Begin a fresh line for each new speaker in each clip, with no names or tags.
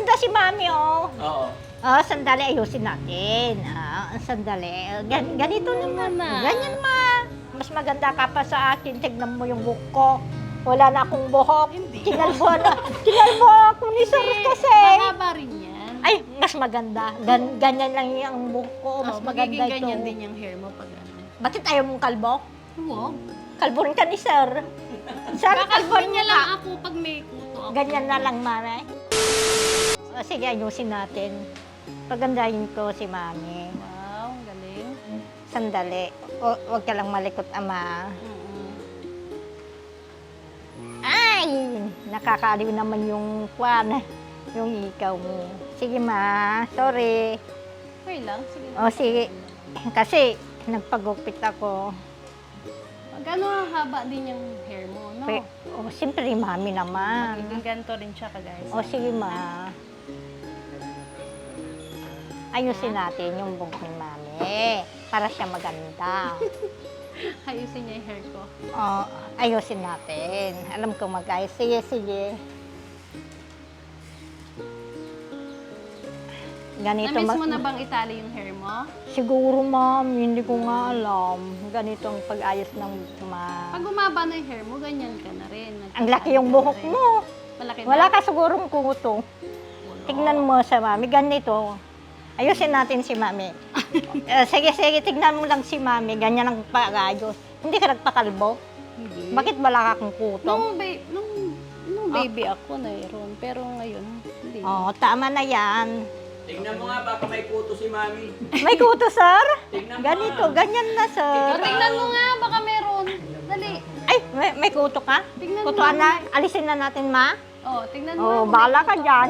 maganda si Mami, oh.
Oo.
Oh, sandali, ayusin natin. Sandali. Ganito naman. Ganyan, ma. Mas maganda ka pa sa akin. Tignan mo yung buhok ko. Wala na akong buhok.
Hindi.
Kinalbo ako ni Sir kasi.
Mahaba rin yan.
Ay, mas maganda. Ganyan lang yung buhok ko. Mas maganda
magiging
ito.
ganyan din yung hair mo pag ano.
Bakit ayaw mong kalbo?
Huwag.
Kalbo rin ka ni Sir. Sir, kalbo
Kakalbon niya
rin
lang
ka.
ako pag may kuto ako.
Ganyan na lang, Mami. Sige, ayusin natin. Pagandahin ko si Mami.
Wow, ang galing.
Sandali. Huwag ka lang malikot, Ama. Ay! Nakakaaliw naman yung kwan. Yung ikaw mo. Sige, Ma. Sorry.
Okay lang, sige.
O, sige. Kasi, nagpagupit ako.
Gano'ng haba din yung hair mo, no?
Siyempre, Mami naman.
Magiging ganito rin siya guys.
O, sige, Ma. Ayusin natin yung buhok ni Mami. Para siya maganda.
Ayusin niya yung hair ko.
O, ayusin natin. Alam ko mag-ayos. Sige, sige. Ganito
Na-miss mo na bang itali yung hair mo?
Siguro, Ma'am. Hindi ko nga alam. Ganito ang pag-ayos ng
Pag umaba na yung hair mo, ganyan ka na rin.
Ang laki yung buhok mo.
Malaki
Wala
ba?
ka sigurong kuto. Tignan mo sa Mami. Ganito. Ayusin natin si Mami. Sige, sige. Tignan mo lang si Mami. Ganyan ang pag-ayos. Hindi ka nagpakalbo?
Hindi.
Bakit wala ka kang kuto?
Nung baby ako mayroon, pero ngayon, hindi.
Oo, tama na yan.
Tingnan mo nga, baka may kuto si Mami.
May kuto, sir?
Tingnan mo
Ganito,
nga.
ganyan na, sir.
O, tingnan mo nga, baka meron. Dali.
Ay, may kuto ka?
Tingnan mo.
Kutuan na. Alisin na natin, Ma.
Tingnan mo.
Oo,
kung
bahala
may
ka
kuto.
dyan.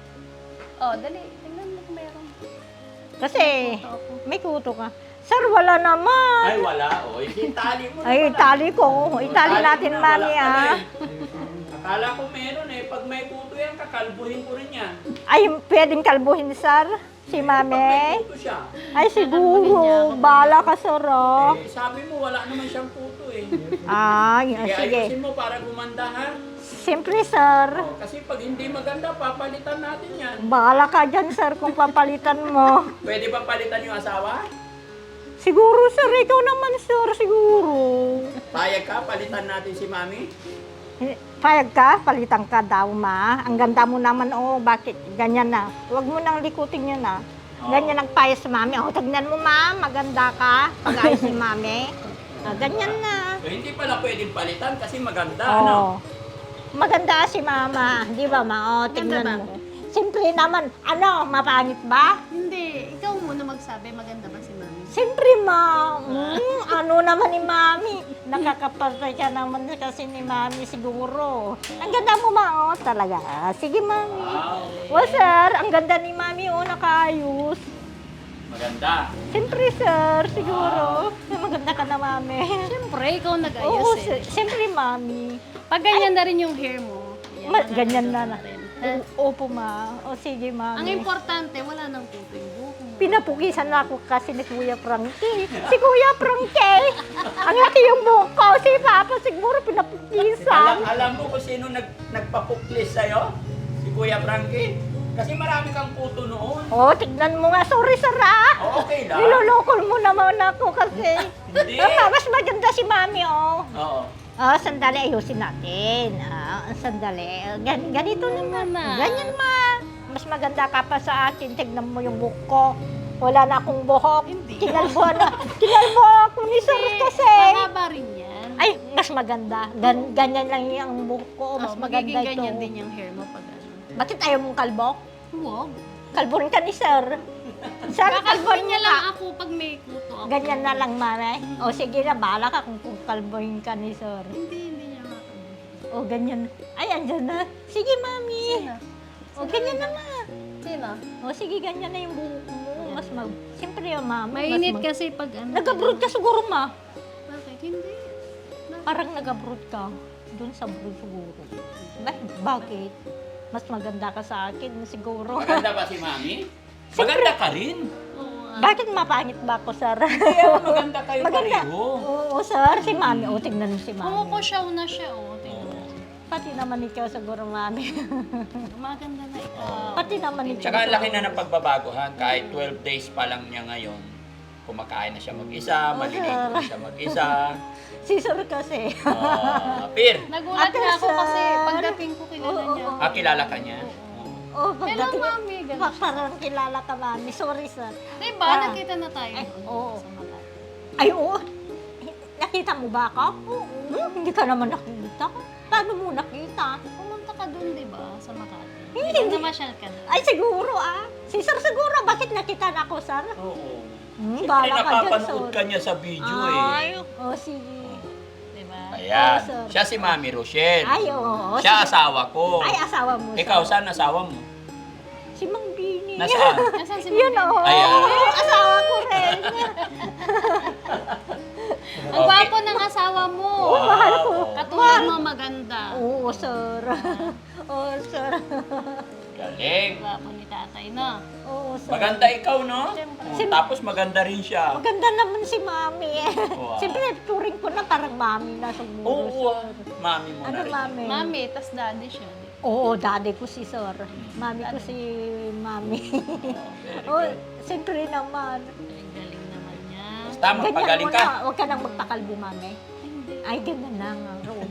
Dali. Tingnan mo kung meron.
Kasi,
Kuto ako.
may kuto ka. Sir, wala naman.
Ay, wala. O, itali mo na
Ay,
pala.
itali ko. Itali
Tali
natin,
mo na,
Mami,
wala pala
ah.
eh. Akala ko meron eh. Pag may kuto yan, kakalbuhin ko rin yan.
Ay, pwedeng kalbuhin, sir. Si
Pag may
Mami.
kuto siya.
Ay, siguro. Bahala ka, sir, oh.
Sabi mo, wala naman siyang kuto eh.
Ay,
Kaya
sige.
ayusin mo para gumanda ha.
Simple, sir.
Kasi pag hindi maganda, papalitan natin yan.
Bahala ka dyan, sir, kung papalitan mo.
Pwede ba palitan yung asawa?
Siguro, sir. Ikaw naman, sir. Siguro.
Payag ka, palitan natin si Mami.
Payag ka? Palitan ka daw, Ma. Ang ganda mo naman, oh. Bakit? Ganyan na. Huwag mo nang likutin yun, ah. Ganyan ang payas sa Mami. Oh, tignan mo, Ma. Maganda ka. Pag-ayos ni Mami. Ganyan na.
Hindi pala pwedeng palitan kasi maganda, ano?
Oh. Maganda si Mama. Di ba, Ma? Oh, tignan
Maganda
mo. Simple naman. Ano, mapangit ba?
Hindi. Ikaw muna magsabi, maganda ba si Mami?
Siyempre, Ma. Ano naman ni Mami? Nakakapatay ka naman kasi ni Mami siguro. Ang ganda mo, Ma. Oh, talaga. Sige, Mami.
Wow.
Oh, sir. Ang ganda ni Mami. Oh, nakaayos.
Maganda.
Siyempre, sir. Siguro. Maganda ka na, Mami.
Siyempre, ikaw nag-ayos
Oo, siyempre, Mami.
Pag ganyan na rin yung hair mo,
Ganyan na na.
rin.
Opo, Ma. O, sige,
Ang
Mami.
importante, wala nang kuto yung buhok mo.
Pinapukisan na ako kasi ni Kuya Frankie. Si Kuya Frankie! Ang laki yung buhok ko. Si Papa siguro pinapukisan.
Alam mo kung sino nagpapuklis sa'yo? Si Kuya Frankie? Kasi marami kang kuto noon.
Oh, tignan mo nga. Sorry, sir, ah.
Okay lang.
Nilolokol mo naman ako kasi.
Hindi.
Mas maganda si Mami, oh.
Oo.
Sandali, ayusin natin. Sandali. Ganito naman.
Ma.
Ganyan, Ma. Mas maganda ka pa sa akin. Tignan mo yung buhok ko. Wala na akong buhok.
Hindi.
Kinalbo ako ni Sir kasi.
Mahaba rin yan.
Ay, mas maganda. Ganyan lang yung buhok ko. Mas maganda
magiging
ito.
ganyan din yung hair mo pag ano.
Bakit ayaw mong kalbo?
Huwag.
Kalbo rin ka ni Sir. Sir, kalbo
Kakalbon niya
ka.
lang ako pag may kuto ako.
Ganyan na lang, Mare. O sige na, bahala ka kung kalbohin ka ni Sir.
Hindi niya makalbon.
O ganyan. Ay, andyan na. Sige, Mami.
Sino?
O ganyan na, Ma.
Sino?
O sige, ganyan na yung buhok mo. Mas Siyempre, Mami.
Mainit kasi pag ano.
Nag-abroad ka siguro, Ma.
Bakit? Hindi.
Parang nag-abroad ka. Doon sa abroad siguro. Bakit? Mas maganda ka sa akin siguro.
Maganda ba si Mami? Maganda ka rin.
Oo.
Bakit mapangit ba ako, Sir?
Kaya maganda kayo
Maganda.
pareho.
Oo, Sir. Si Mami. O, tignan mo si Mami.
Kumukusyaw na siya, oh. Tingnan mo.
Pati naman ikaw siguro, mami.
Maganda na ikaw.
Pati naman ikaw.
Tsaka ang laki na ng pagbabago ha. Kahit 12 days pa lang niya ngayon, kumakain na siya mag-isa, maliligo na siya mag-isa.
Si Sir kasi.
Pir,
Nagulat
Ate
nga ako
Sir.
kasi pagdating ko kilala niya.
kilala ka niya?
Oh,
Hello,
pagdating,
mami. Ganun.
parang kilala ka, mami. Sorry, sir.
Diba?
Ah.
Nakita na tayo
Eh,
doon
oo.
sa Makati.
Ay, oo. Nakita mo ba ako? Hindi ka naman nakita. Paano mo nakita?
Pumunta ka doon, di ba? Sa Makati.
Hindi.
Hindi. Namasyal ka doon.
Ay, siguro Si Sir siguro. Bakit nakita na ako, sir?
Oo.
Hmm,
Siyempre
bahala ka dyan,
napapanood
sir.
ka niya sa video
Ay,
eh.
sige.
Di ba?
Ayan.
Oo, sir.
Siya si Mami Rochelle.
Ay, oo.
Siya
sige.
asawa ko.
Ay, asawa mo,
Ikaw,
sir.
saan asawa mo?
Si Mang Bini.
Nasaan?
Nasaan si
Yun,
Mami?
oo.
Ayan.
Asawa ko rin.
Ang gwapo ng asawa mo.
Oo, mahal ko.
Katulad mo maganda.
Oo, sir. Oo, sir.
Galing.
Gwapo ni tatay, no?
Oo, sir.
Maganda ikaw, no?
Siyempre.
Oh, tapos maganda rin siya.
Maganda naman si Mami.
Wow.
Siyempre, turing ko na parang Mami na siguro.
Oo,
sir.
Mami mo
Ano
na rin.
Mami?
Mami, tas daddy siya. di ba?
Oo, daddy ko si Sir. Mami ko si Mami.
Very
Oo,
good.
siyempre naman.
Ang galing naman niya.
Basta magpagaling ka.
na. Huwag ka nang magpakalbo, Mami.
Hindi.
Ay, ganun na nga. Roon.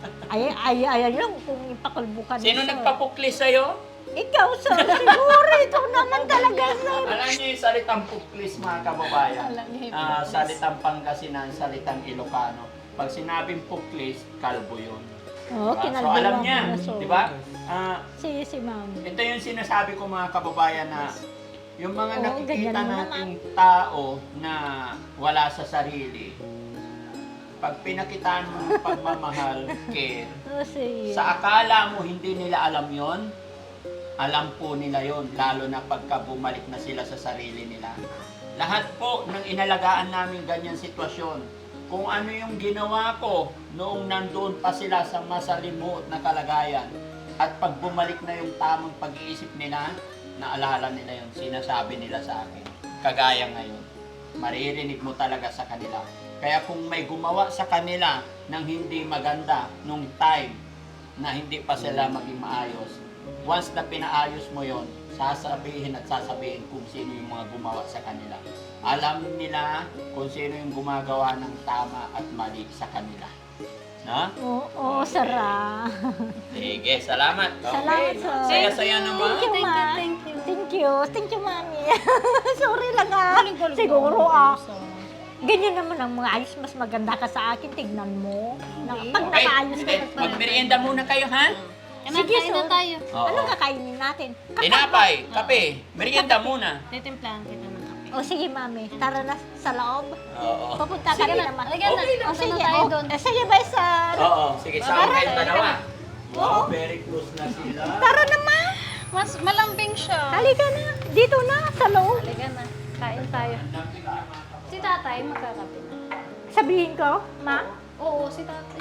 Ay, lang kung ipakalbo ka ni
Sino
Sir.
nagpapuklis sa'yo?
Ikaw, Sir. Siguro, ikaw naman talaga, Sir.
Alam niyo yung salitang puklis, mga kababayan.
Alam niya yung
Ah,
puklis.
salitang Pangasinan, salitang Ilocano. Pag sinabing puklis, kalbo yun.
Oo,
Diba? So
kinalbo
alam
lang
niya,
na, so.
di ba? Ah,
Si Mami.
ito yung sinasabi ko mga kababayan na yung mga
Oo,
nakikita
ganyan mo
nating tao na wala sa sarili, pag pinakitaan mo ng pagmamahal, care,
Oo, si...
sa akala mo hindi nila alam yon, alam po nila yon, lalo na pagka bumalik na sila sa sarili nila. Lahat po ng inalagaan namin ganyan sitwasyon, kung ano yung ginawa ko noong nandoon pa sila sa masalimuot na kalagayan, at pag bumalik na yung tamang pag-iisip nila, naalala nila yon, sinasabi nila sa akin. Kagaya ngayon, maririnig mo talaga sa kanila. Kaya kung may gumawa sa kanila ng hindi maganda nung time na hindi pa sila maging maayos, once na pinaayos mo yon, sasabihin at sasabihin kung sino yung mga gumawa sa kanila. Alam nila kung sino yung gumagawa ng tama at mali sa kanila. No?
Oo, Sir.
Sige, salamat.
Salamat, sir.
Saya-saya naman.
Thank you, Ma.
Thank you.
Thank you. Thank you, Mami. Sorry lang
Galing-galing
Siguro
mo.
Ganyan naman ang mga ayos. Mas maganda ka sa akin. Tignan mo. Pag
Okay,
nakaayos ka.
sige, magmerienda muna kayo, ha?
Sige,
Kain na
sir.
tayo.
Oo.
Anong kakainin natin?
Tinapay, kape, merienda muna.
Titimplahan kita ng kape.
O sige, Mami. Tara na sa loob.
Oo.
Pupunta ka
Sige
rin
na.
naman.
Halika na.
O
Punta
sige.
na tayo
O,
doon.
sige, bye, sir.
Oo, sige, sama
Tara,
kayong dalawa.
Oo.
Wow, very close na sila.
Tara naman.
Mas malambing siya.
Halika na. Dito na, sa loob.
Halika na. Kain tayo. Si tatay magkakape na.
Sabihin ko, Ma.
Oo, si tatay.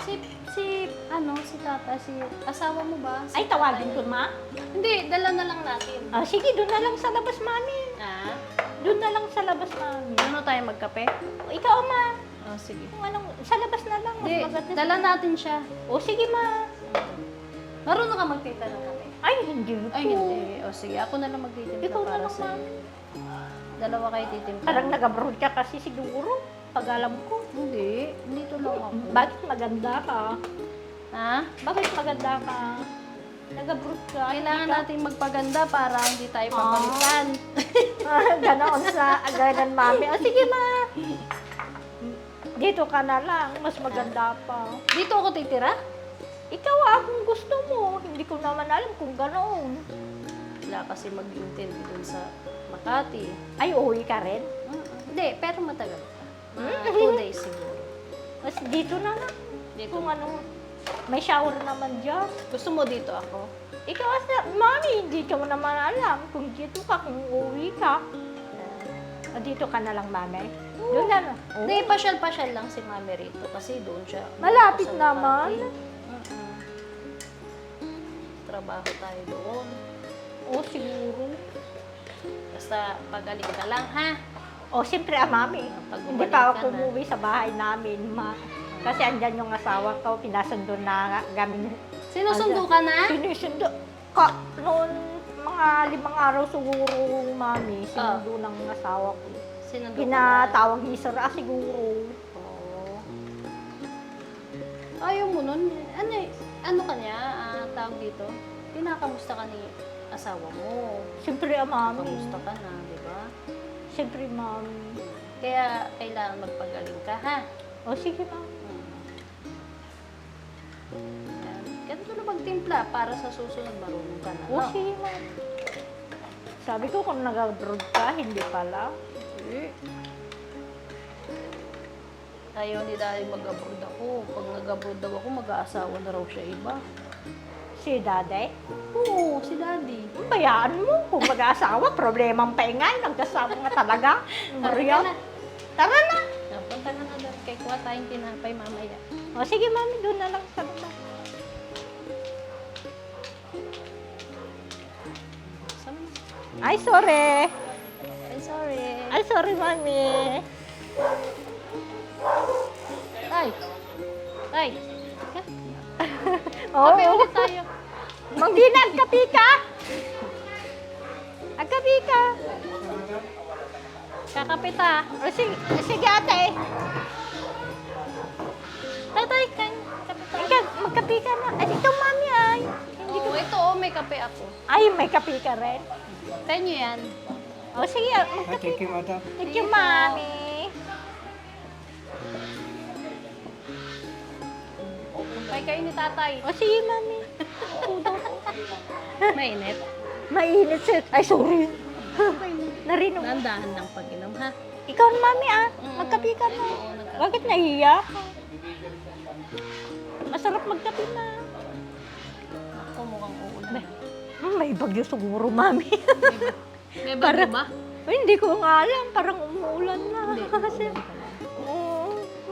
Si tatay, si asawa mo ba? Si
Ay, tawagin
tatay.
ko, Ma.
Hindi, dala na lang natin.
Ah, sige, doon na lang sa labas, Mami.
Ah?
Doon na lang sa labas, Mami.
Ano tayo magkape?
Ikaw, Ma.
Oh, sige.
Kung anong, sa labas na lang.
Hindi,
maganda.
dala natin siya.
O, sige, Ma.
Marunong ka magtita ng kape?
Ay, hindi po.
Ay, hindi. O sige, ako na lang magtitimpla
Ikaw na
para
lang,
sa dalawa kayo titimpla.
Parang nag-abroad ka kasi siguro. Pag alam ko.
Hindi, dito lang ako.
Bakit maganda ka?
Ha?
Bakit maganda ka? Nag-abroad ka.
Kailangan
hindi ka-
natin magpaganda para hindi tayo papalitan.
Ganoon sa agadan, Mami. O, sige, Ma. Dito ka na lang. Mas maganda pa.
Dito ako titira?
Ikaw kung gusto mo. Hindi ko naman alam kung ganoon.
Wala kasi mag-intend dun sa Makati.
Ay, uwi ka rin?
Hindi, pero matagal pa. 2 days siguro.
Mas dito na lang.
Dito.
Kung ano, may shower naman dyan.
Gusto mo dito ako?
Ikaw, Mami, hindi ka mo naman alam kung dito ka, kung uwi ka. Dito ka na lang, Mami. Doon na lang.
Hindi, pasyal-pasyal lang si Mami rito kasi doon siya.
Malapit
sa
naman.
Makati. Trabaho tayo doon.
O, siguro.
Basta pagaling ka lang, ha?
O, siyempre, Mami.
Pag
Hindi
bumalik
pa ako
ka na.
umuwi sa bahay namin, Ma. Kasi andyan yung asawa ko, pinasundo na kami
Sinusundo ka na?
Sinusundo. Noon, mga 5 araw siguro, mami, sinundo ng asawa ko.
Sinundo ka na?
Pinatawag ni Sir, siguro.
Oo. Ayaw mo nun? Ano ka niya? Tawag dito? Pinakamusta ka ni asawa mo?
Siyempre, mami.
Kamusta ka na, di ba?
Siyempre, mami.
Kaya kailangan magpagaling ka, ha?
O, sige, mami.
Yan. Ganito na magtimpla para sa susunod marunong ka na.
O,
no?
sige, mami. Sabi ko, kung nag-abroad ka, hindi pala.
Ayaw ni Daddy mag-abroad ako. Pag nag-abroad daw ako, mag-aasawa na raw siya iba.
Si Daday,
Oo, si Daddy.
bayaan mo. Kung mag-asawa, problema ang paingay. Nagkasama nga talaga. Maria. Tara na.
Punta ka na doon. Kay kuha tayong tinapay mamaya.
O, sige, mami. Doon na lang sa baba.
Sama na.
Ay, sorry.
Ay, sorry.
Ay, sorry, mami.
Tay! Tay!
Oo.
Kape ulit tayo.
Mang Dina, agkapi ka? Agkapi ka?
Kakapit ha.
O, sige, ate.
Tatay, kain. Kape tayo.
Ikaw, magkapi ka na. Ay, ito, mami, ay. Hindi ko...
Oo, ito may kape ako.
Ay, may kapi ka rin.
Kaya nyo yan.
O, sige, magkapi.
Thank you, madam.
Thank you, mami.
Kaya kayo ni tatay.
O, sige, mami.
Mainit.
Mainit siya. Ay, sorry. Narinig mo.
Nandahan ng pag-inom ha.
Ikaw, mami, magkapi ka na.
Oo, nagkape.
Bakit nahiya? Masarap magkapi na.
Ako mukhang uulan.
May bagyo siguro, mami.
May bago ba?
Ay, hindi ko nga alam. Parang umuulan na.
Hindi.
Kasi, oo.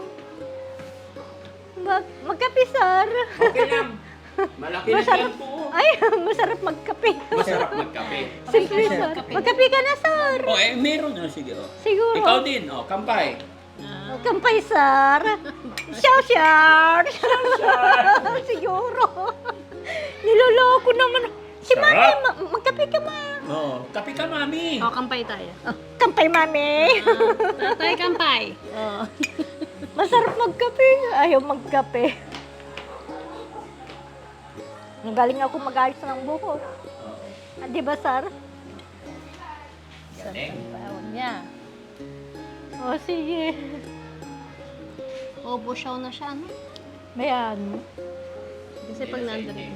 Magkapi, sir.
Okay lang. Malaki na
Masarap.
yan po.
Ay, masarap magkapi.
Masarap magkape.
Simple, sir. Magkapi ka na, sir.
O, meron na. Sige, o.
Siguro.
Ikaw din, o. Kampay.
Kampay, sir. Shout. Siguro. Niloloko naman. Si
Sarap.
mami, magkapi ka, ma.
O, kape ka, mami.
O, kampay tayo.
Kampay, mami.
Tatay, kampay.
Masarap magkape. Ayaw magkape. Galing ako mag-ayos ng buhok. Di ba, sir?
Galing.
Tawag niya.
O, sige.
Obo siya na siya, no?
Mayan.
Kasi pag nandun.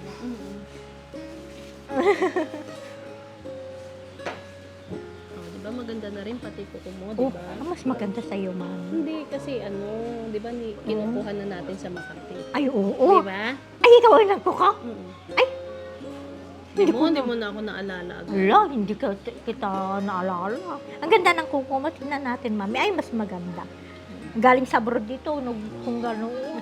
Diba maganda na rin pati kuko mo,
Oh,
diba?
mas maganda sa'yo, mami.
Hindi kasi diba kinukuha na natin sa Makati.
Ay, oo.
Diba?
Ay, ikaw ay nagkuka? Ay,
Hindi mo na ako naalala agad.
Wala, hindi kita naalala. Ang ganda ng kuko mo. Tingnan natin, mami. Ay, mas maganda. Galing sa abroad dito, kung gano'n.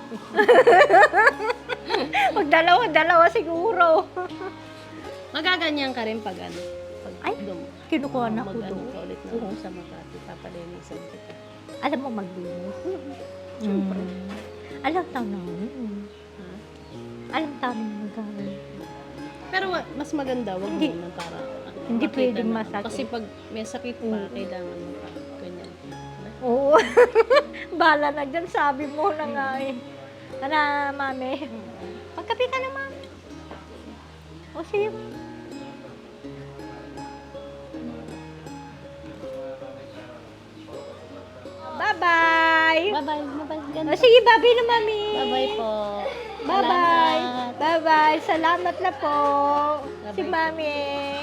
Magdalawa siguro.
Magaganyan ka rin pag Pag
Ay, kinukuha na ko
mag-ano
doon.
ka ulit na sa Makati. Papalinisan kita.
Alam mo maglinis?
Siyempre.
Alam taon namin.
Ha?
Alam taon namin magaling.
Pero mas maganda, wag
Hindi.
muna para
Hindi
makita
pwedeng
na.
masakit.
Kasi pag may sakit pa, kailangan mo pa. Ganyan.
Oo. Bala na dyan, sabi mo na nga eh. Ano, mami? Magkape ka na, mami. O, sige. Bye-bye!
Bye-bye. Bye-bye.
O,
Ganun.
sige, bye-bye na, mami.
Bye-bye po.
Bye-bye.
Salamat.
Bye-bye. Salamat na po. Si
Bye-bye.
mami.